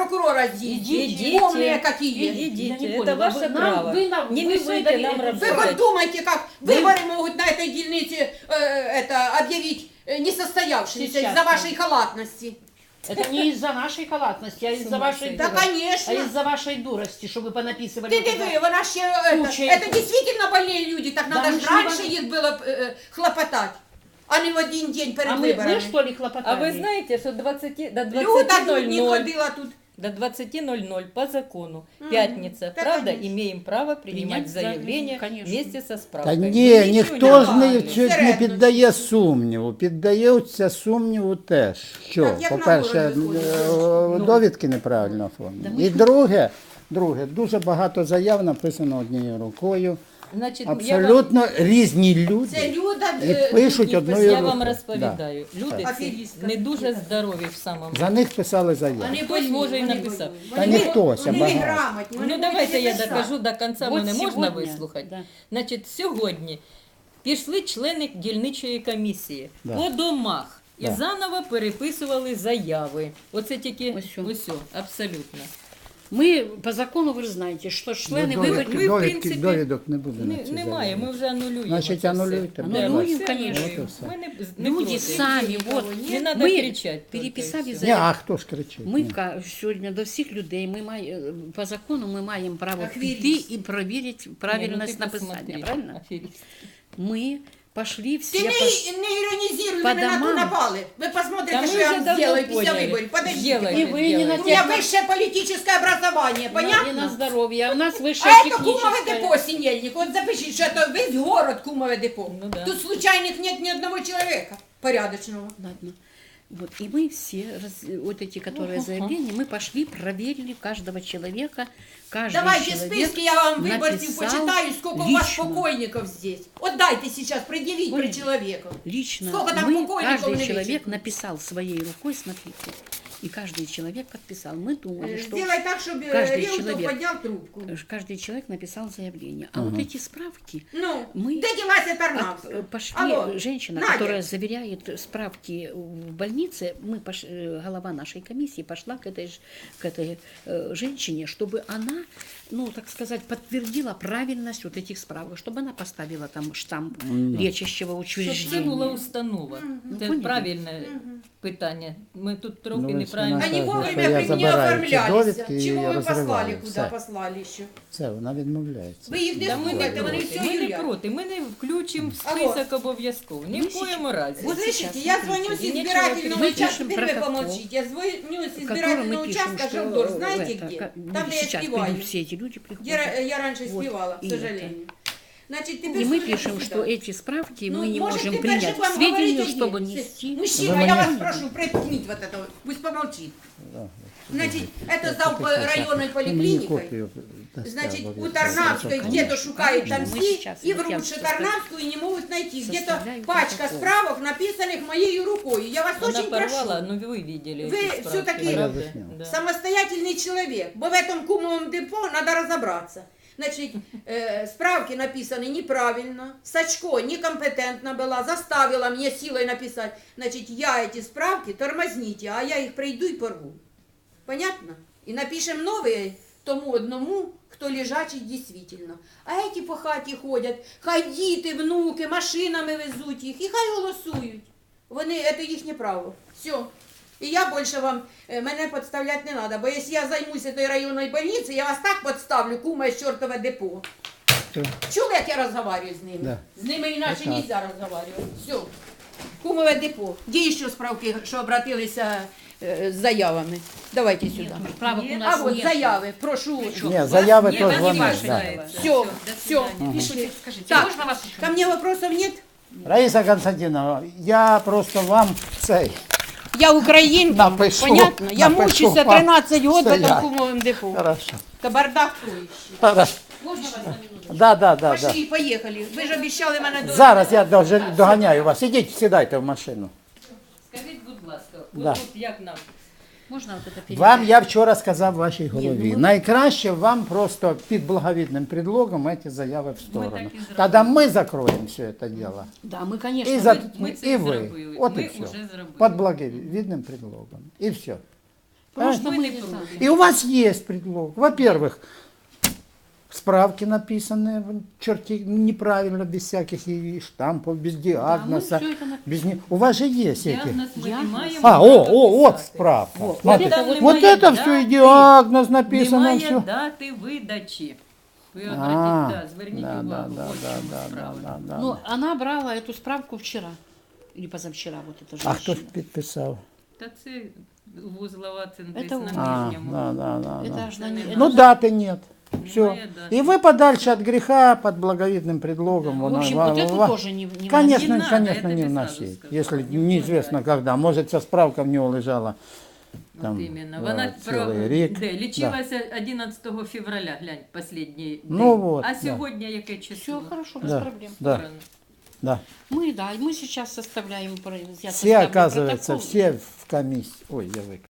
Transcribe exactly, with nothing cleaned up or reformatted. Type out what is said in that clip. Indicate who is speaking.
Speaker 1: прокурора здесь.
Speaker 2: Идите.
Speaker 1: Умные какие.
Speaker 2: Идите,
Speaker 3: Я не
Speaker 2: это
Speaker 3: поняла.
Speaker 2: ваше
Speaker 3: Вы нам-
Speaker 2: право.
Speaker 3: вы нам-
Speaker 2: Не
Speaker 3: вы
Speaker 2: мешайте
Speaker 3: выдали
Speaker 2: нам
Speaker 3: это-
Speaker 1: Вы
Speaker 2: работать.
Speaker 1: хоть думаете, как выборы могут на этой дельнице э, это, объявить э, несостоявшимися
Speaker 3: Сейчас,
Speaker 1: из-за
Speaker 3: да.
Speaker 1: вашей халатности?
Speaker 3: Это не из-за нашей халатности, а из-за вашей
Speaker 1: Да,
Speaker 3: дурости.
Speaker 1: конечно.
Speaker 3: А из-за вашей дурости, что вы понаписывали.
Speaker 1: Ты
Speaker 3: вот это.
Speaker 1: диви, вона ще, это,
Speaker 3: Куча
Speaker 1: это
Speaker 3: этих.
Speaker 1: действительно больные люди, так
Speaker 3: Да
Speaker 1: надо
Speaker 3: мы
Speaker 1: ж
Speaker 3: ж не
Speaker 1: раньше
Speaker 3: больные.
Speaker 1: их было э, хлопотать, а не в один день перед
Speaker 3: А мы,
Speaker 1: выборами.
Speaker 3: мы что ли хлопотали?
Speaker 2: А вы знаете, что двадцати, до
Speaker 1: Люда
Speaker 2: двадцати
Speaker 1: тут не
Speaker 2: ноль-ноль
Speaker 1: ходила тут.
Speaker 2: до двадцати ноль-ноль по закону,
Speaker 1: Мгм.
Speaker 2: пятница,
Speaker 1: Да,
Speaker 2: правда,
Speaker 1: конечно.
Speaker 2: имеем право принимать
Speaker 3: Принять
Speaker 2: заявление
Speaker 3: заявление,
Speaker 2: вместе со
Speaker 4: Та
Speaker 2: справкой.
Speaker 4: ні,
Speaker 2: Ви нічого
Speaker 4: ніхто ж не,
Speaker 2: давали.
Speaker 4: чуть не
Speaker 1: Середньо.
Speaker 4: піддає сумніву. Піддається сумніву теж. Що,
Speaker 1: Так, як на
Speaker 4: по-перше,
Speaker 1: город
Speaker 4: е, довідки неправильно оформлені. І друге, друге, дуже багато заяв написано однією рукою.
Speaker 2: Значить, я вам,
Speaker 4: Абсолютно різні люди.
Speaker 1: Це Люда
Speaker 4: І
Speaker 1: е,
Speaker 4: пишуть
Speaker 1: тут
Speaker 4: одною
Speaker 2: я
Speaker 1: писала.
Speaker 2: вам
Speaker 4: рукою.
Speaker 2: розповідаю. Люди ці
Speaker 1: Аферістка.
Speaker 2: не дуже здорові в самому.
Speaker 4: За них писали заяви.
Speaker 1: Вони
Speaker 2: Хтось,
Speaker 1: больні,
Speaker 2: може, і
Speaker 1: вони
Speaker 2: написав.
Speaker 1: больні.
Speaker 4: Та
Speaker 1: Вони-
Speaker 4: ніхтось, а
Speaker 1: вони
Speaker 4: багато.
Speaker 1: неграмотні, вони
Speaker 2: Ну
Speaker 1: можуть
Speaker 2: давайте
Speaker 1: не
Speaker 2: я
Speaker 1: писати.
Speaker 2: докажу до кінця,
Speaker 3: Вот
Speaker 2: мене можна
Speaker 3: сьогодні,
Speaker 2: вислухати?
Speaker 3: да.
Speaker 2: Значить, сьогодні пішли члени дільничої комісії
Speaker 4: Да.
Speaker 2: по домах і
Speaker 4: Да.
Speaker 2: заново переписували заяви. Оце тільки
Speaker 3: Ось о.
Speaker 2: ось, о, абсолютно.
Speaker 3: Мы по закону, вы же знаете, что члены
Speaker 4: Ну,
Speaker 3: выборов...
Speaker 4: довідки,
Speaker 2: ми, в
Speaker 4: довідки,
Speaker 2: принципі,
Speaker 4: довідок не буде на
Speaker 2: Не,
Speaker 4: ці
Speaker 2: немає,
Speaker 4: заяви.
Speaker 2: ми вже анулюємо.
Speaker 4: Значить,
Speaker 2: це все.
Speaker 4: анулюйте,
Speaker 2: Да,
Speaker 3: Анулюємо,
Speaker 2: все
Speaker 3: конечно.
Speaker 2: анулюємо.
Speaker 4: От і все.
Speaker 2: Ми не, не
Speaker 3: Люди
Speaker 2: проти.
Speaker 3: сами, вот,
Speaker 2: Не надо
Speaker 3: мы
Speaker 2: кричать.
Speaker 3: переписали
Speaker 2: только, і все.
Speaker 4: Ні,
Speaker 3: заяву.
Speaker 4: а хто ж кричить?
Speaker 3: Ми
Speaker 4: Ні.
Speaker 3: ка- сьогодні до всіх людей, ми має, по закону ми маємо право
Speaker 1: Аферист.
Speaker 3: піти і перевірити
Speaker 2: Ні, ну
Speaker 3: правильність
Speaker 2: ти
Speaker 3: написання,
Speaker 2: посмотри,
Speaker 3: правильно?
Speaker 2: аферист.
Speaker 3: Ми пошли всі...
Speaker 1: Ти не,
Speaker 3: по-
Speaker 1: не іронізуй,
Speaker 3: по
Speaker 1: ви на ту
Speaker 3: домам.
Speaker 1: напали. Ви
Speaker 2: Та
Speaker 1: посмотрите,
Speaker 2: ми
Speaker 1: що я
Speaker 2: вже
Speaker 1: вам
Speaker 2: давно
Speaker 1: сделаю після
Speaker 2: поняли.
Speaker 1: виборів. Подождите.
Speaker 2: Сделайте,
Speaker 3: І ви не
Speaker 1: У
Speaker 2: сделайте.
Speaker 1: меня высшее политическое образование,
Speaker 3: на, і на
Speaker 1: понятно?
Speaker 3: здоров'я, а у нас вище
Speaker 1: А это кумове
Speaker 3: технічне.
Speaker 1: депо, Синельник. Вот запишите, что это весь город кумове депо.
Speaker 2: Ну да.
Speaker 1: Тут случайных нет ни одного человека порядочного.
Speaker 3: Ладно. Вот, и мы все, раз- вот эти, которые заявления, мы пошли, проверили каждого человека, каждый
Speaker 1: Давайте
Speaker 3: человек
Speaker 1: списки, я вам выборцев
Speaker 3: написал
Speaker 1: почитаю, сколько у вас
Speaker 3: лично.
Speaker 1: покойников здесь. Вот дайте сейчас предъявить
Speaker 3: Ой.
Speaker 1: при человеку.
Speaker 3: Лично
Speaker 1: Сколько там
Speaker 3: мы,
Speaker 1: покойников
Speaker 3: каждый
Speaker 1: на
Speaker 3: человек
Speaker 1: вечер?
Speaker 3: написал своей рукой, смотрите, и каждый человек подписал. Мы думали, что
Speaker 1: Сделай так, чтобы
Speaker 3: каждый
Speaker 1: Реутов
Speaker 3: человек.
Speaker 1: поднял трубку.
Speaker 3: каждый человек написал заявление. А вот эти справки,
Speaker 1: Ну,
Speaker 3: Мы-
Speaker 1: где девайся
Speaker 3: от-
Speaker 1: Тарнавская?
Speaker 3: э, пошли,
Speaker 1: Алло,
Speaker 3: женщина,
Speaker 1: Надя.
Speaker 3: которая заверяет справки в больнице, мы пош- э, голова нашей комиссии пошла к этой, ж- к этой э, женщине, чтобы она, ну, так сказать, подтвердила правильность вот этих справок, чтобы она поставила там штамп лечащего
Speaker 2: Щоб це була
Speaker 3: учреждения.
Speaker 2: установа. Це
Speaker 3: поняли?
Speaker 2: правильне питання. Ми тут трохи
Speaker 4: Ну, ось
Speaker 2: неправильно.
Speaker 4: вона
Speaker 1: Они
Speaker 4: Скажи,
Speaker 1: вовремя
Speaker 4: что я
Speaker 1: при- не
Speaker 4: забираю эти
Speaker 1: оформлялись.
Speaker 4: довідки і
Speaker 1: Чего вы
Speaker 4: розриваю.
Speaker 1: послали, куда
Speaker 4: Все.
Speaker 1: послали еще?
Speaker 4: Все, вона відмовляється.
Speaker 1: Вы их не
Speaker 2: Да ми не
Speaker 1: слухайте, вони
Speaker 2: проти,
Speaker 1: все
Speaker 2: ми не
Speaker 1: юлять.
Speaker 2: проти, ми не включимо в
Speaker 1: Алло.
Speaker 2: список обов'язково. Ні в коєму разі.
Speaker 1: Вот
Speaker 3: Сейчас,
Speaker 1: слышите, я
Speaker 3: смотрите,
Speaker 1: звоню с
Speaker 2: и нечего
Speaker 1: избирательного
Speaker 3: Мы
Speaker 1: участка,
Speaker 3: пишем
Speaker 1: теперь вы
Speaker 3: протокол,
Speaker 1: помолчите, я звоню с
Speaker 3: в котором
Speaker 1: избирательного
Speaker 3: мы пишем,
Speaker 1: участка
Speaker 3: что
Speaker 1: Жавдор,
Speaker 3: э,
Speaker 1: знаете
Speaker 3: это,
Speaker 1: где?
Speaker 3: как-
Speaker 1: Там, где я
Speaker 3: сейчас
Speaker 1: спеваю.
Speaker 3: придут все эти люди
Speaker 1: Где
Speaker 3: приходят.
Speaker 1: ра- я раньше
Speaker 3: Вот,
Speaker 1: спевала, к
Speaker 3: и
Speaker 1: сожалению. Значит, теперь
Speaker 3: И мы
Speaker 1: слушайте
Speaker 3: пишем,
Speaker 1: сюда.
Speaker 3: что эти справки
Speaker 1: Ну,
Speaker 3: мы не
Speaker 1: может,
Speaker 3: можем
Speaker 1: теперь
Speaker 3: принять
Speaker 1: же
Speaker 3: к
Speaker 1: вам
Speaker 3: сведению,
Speaker 1: говорить
Speaker 3: чтобы
Speaker 1: один.
Speaker 3: нести.
Speaker 1: Мужчина,
Speaker 4: Вы
Speaker 1: я вас
Speaker 4: мне-
Speaker 1: прошу, приткніть вот этого, пусть помолчит.
Speaker 4: Да.
Speaker 1: Значит, это за районной
Speaker 4: Мені
Speaker 1: поликлиникой.
Speaker 4: копію дасте,
Speaker 1: Значит, у
Speaker 4: обов'язково.
Speaker 1: Тарнавской
Speaker 3: Конечно,
Speaker 1: где-то шукают там
Speaker 3: конечно, мы
Speaker 1: все,
Speaker 3: сейчас,
Speaker 1: и
Speaker 3: вот я
Speaker 1: врут, что
Speaker 3: состав-
Speaker 1: Тарнавскую не могут найти. Где-то
Speaker 3: составляю
Speaker 1: пачка
Speaker 3: протокол.
Speaker 1: справок, написанных моей рукой. Я вас
Speaker 2: Вона
Speaker 1: очень
Speaker 2: порвала,
Speaker 1: прошу.
Speaker 2: ну ви видели.
Speaker 1: Ви
Speaker 2: ці справки,
Speaker 1: все-таки
Speaker 2: правда?
Speaker 4: Я
Speaker 2: Да.
Speaker 1: Самостоятельный человек. Бо в этом кумовом депо надо разобраться. Значит, э, справки написаны неправильно, Сачко некомпетентна была, заставила мне силой написать. Значит, я эти справки тормозните, а я их пройду и порву. Понятно? И напишем новые тому одному, кто лежачий действительно. А эти по хаті ходять, хай діти, внуки, машинами везуть їх, і хай голосують. Вони, це їхнє право. Все. І я більше вам, е, мене підставляти не треба, бо якщо я займуся тою районною больницею, я вас так підставлю, кума з чортове депо.
Speaker 4: Все.
Speaker 1: Чули, як я розмовляю з ними?
Speaker 4: Да.
Speaker 1: З ними іначе
Speaker 4: Так.
Speaker 1: не можна розмовляти. Все. Кумове депо. Де ще справки, що обратилися е, з заявами? Давайте сюди.
Speaker 3: Справок у
Speaker 1: А
Speaker 3: нас
Speaker 1: от
Speaker 3: нет.
Speaker 1: заяви, прошу.
Speaker 4: Ні, заяви
Speaker 2: Ні,
Speaker 4: то
Speaker 2: вони
Speaker 4: вони.
Speaker 2: ваші,
Speaker 4: Да.
Speaker 2: да.
Speaker 1: Все, все.
Speaker 3: Пишите, скажите,
Speaker 1: Так,
Speaker 3: можно вас еще?
Speaker 1: ко мне вопросов нет?
Speaker 4: Раїса Константиновна, я просто вам цей
Speaker 1: Я українка,
Speaker 4: напишу.
Speaker 1: понятно? Я
Speaker 4: напишу
Speaker 1: мучуся
Speaker 4: вам
Speaker 1: тринадцять років в
Speaker 4: стоять.
Speaker 1: этом кумовом депо.
Speaker 4: Хорошо.
Speaker 1: Кабардак стоїть.
Speaker 4: Хорошо.
Speaker 1: Можна вас на минуту?
Speaker 4: Да, да, да, да.
Speaker 1: Пошли, поїхали. Ви ж обіцяли мене до...
Speaker 4: Зараз я дуже доганяю вас. Ідіть, сідайте в машину.
Speaker 2: Скажіть, будь ласка,
Speaker 4: Да.
Speaker 2: от тут як нам?
Speaker 3: Можно вот это передать?
Speaker 4: Вам я вчора сказав вашій голові.
Speaker 3: Ні, ну ми-
Speaker 4: Найкраще вам просто під благовідним предлогом ці заяви в сторону.
Speaker 2: так і зробимо.
Speaker 4: Тоді ми закроємо все це діло.
Speaker 3: Да, мы, конечно,
Speaker 4: І, за,
Speaker 2: ми це
Speaker 4: і
Speaker 2: і
Speaker 4: ви.
Speaker 2: зробили.
Speaker 4: От
Speaker 2: Ми
Speaker 4: і все.
Speaker 2: вже зробили.
Speaker 4: Під благовідним предлогом. І все.
Speaker 3: Просто
Speaker 2: Мы
Speaker 3: мы
Speaker 2: не
Speaker 3: не
Speaker 2: против.
Speaker 3: так.
Speaker 4: И у вас есть предлог. Во-первых, справки написанные черти неправильно, без всяких и штампов, без диагноза.
Speaker 3: всё это написано.
Speaker 4: без не... У вас же есть эти.
Speaker 2: Диагноз мы не
Speaker 3: Диагноз.
Speaker 2: маємо
Speaker 4: А, о,
Speaker 2: права
Speaker 4: о, вот
Speaker 2: писати.
Speaker 4: справка.
Speaker 3: Вот.
Speaker 4: Смотрите.
Speaker 2: Там
Speaker 4: Вот
Speaker 2: немає
Speaker 4: это все и
Speaker 2: дати,
Speaker 4: диагноз написано,
Speaker 2: Немає
Speaker 4: все.
Speaker 2: дати видачі. Ви
Speaker 4: А,
Speaker 2: обратіть, да, зверніть
Speaker 4: да,
Speaker 2: увагу,
Speaker 4: да,
Speaker 2: ось в
Speaker 4: да,
Speaker 2: чому
Speaker 4: да,
Speaker 2: справа.
Speaker 4: да, да,
Speaker 3: Ну,
Speaker 4: да.
Speaker 3: она брала эту справку вчера. Или позавчера, вот эта
Speaker 4: А
Speaker 3: женщина.
Speaker 4: хто ж підписав?
Speaker 2: Та це вузлова це десь
Speaker 3: Это
Speaker 2: на
Speaker 4: А,
Speaker 2: нижньому.
Speaker 4: да, да, да, да.
Speaker 3: Это ж на не-
Speaker 4: Ну даты нет. Все.
Speaker 2: Немає дати.
Speaker 4: И вы подальше от греха под благовидным предлогом.
Speaker 3: В
Speaker 4: вон,
Speaker 3: общем,
Speaker 4: ва-
Speaker 3: вот эту
Speaker 4: ва-
Speaker 3: тоже не, не
Speaker 4: Конечно,
Speaker 2: Не надо,
Speaker 4: конечно,
Speaker 2: это
Speaker 4: не
Speaker 2: без
Speaker 4: вносить.
Speaker 2: сразу сказала,
Speaker 4: Если
Speaker 2: не
Speaker 4: неизвестно
Speaker 2: вкладать.
Speaker 4: когда. Может, ця справка в нього лежала там,
Speaker 2: От іменно.
Speaker 4: е,
Speaker 2: Вона про,
Speaker 4: цілий рік.
Speaker 2: де, лічилася одинадцятого февраля, глянь, останній день.
Speaker 4: Ну вот,
Speaker 2: а
Speaker 4: да.
Speaker 2: сьогодні яке число?
Speaker 3: Все хорошо, без
Speaker 4: Да.
Speaker 3: проблем.
Speaker 4: Да,
Speaker 2: Сторону.
Speaker 4: да.
Speaker 3: Мы, да, мы сейчас составляем, про- я
Speaker 4: Все,
Speaker 3: составлю
Speaker 4: оказывается,
Speaker 3: протокол.
Speaker 4: все в комиссии. Ой, я выключил.